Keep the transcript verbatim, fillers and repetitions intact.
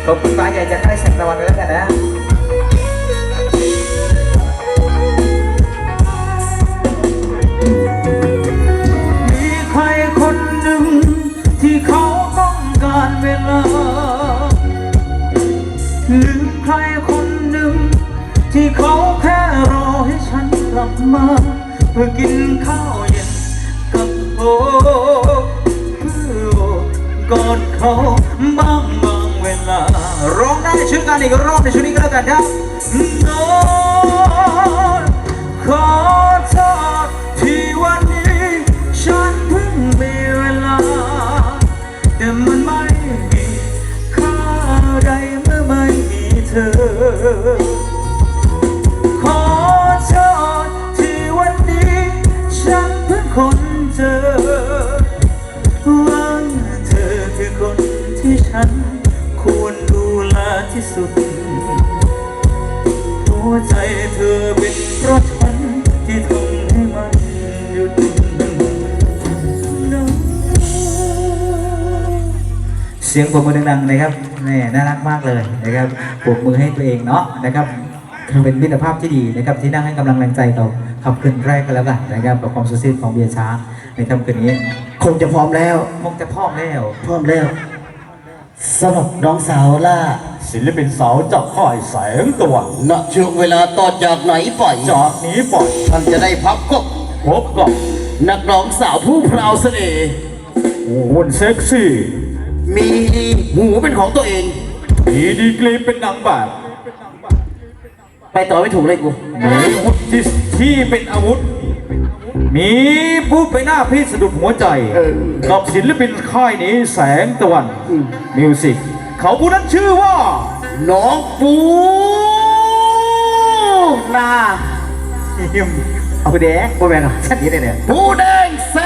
ขอบคุณฟ้าใหญ่จากค่ายแสงตะวันด้วยแล้วกันนะมีใครคนหนึ่งที่เขาต้องการเวลาหรือใครคนหนึ่งที่เขาแค่รอให้ฉันกลับมาเพื่อกินข้าวเย็นกับโอ้เพื่อกอดเขาบ้างบางเวลาร้องได้ช่วยกันอีกรอบในช่วงนี้ก็แล้วกันครับนอนขอโทษที่วันนี้ฉันเพิ่งมีเวลาแต่มันไม่มีค่าใดเมื่อไม่มีเธอขอโทษที่วันนี้ฉันเพิ่งค้นเจอว่าเธอคือคนที่ฉันควรดูแลที่สุดหัวใจเธอเป็นเพราะฉันที่ทำให้มันหยุดเสียงปรบมือดังๆนะครับนี่น่ารักมากเลยนะครับปรบมือให้ตัวเองเนาะนะครับเป็นมิตรภาพที่ดีนะครับที่นั่งให้กำลังแรงใจเราขับคืนแรกกันแล้วกันนะครับกับความสุดซีดของเบียร์ช้างในค่ำคืนนี้คงจะพร้อมแล้วคงจะพร้อมแล้วพร้อมแล้วสำหรับน้องสาวล่าศิลปินสาวจากค่ายแสงตะวันณช่วงเวลาต่อจากไหนไปจากนี้ไปท่านจะได้พับกับพบกับนักร้องสาวผู้พราวเสน่ห์หุ่นเซ็กซี่มีดีหูเป็นของตัวเองมีดีกรีเป็นนางแบบไปต่อไม่ถูกเลยกูมีอาวุธที่ที่เป็นอาวุธมีผู้ไปหน้าพี่สะดุดหัวใจกับศิลปินค่ายนี้แสงตะวันมิวสิกเขาผู้นั้นชื่อว่าน้องปูนาเอาแดงโบแมนชัดนี้เลยเนี่ยปูแดงแส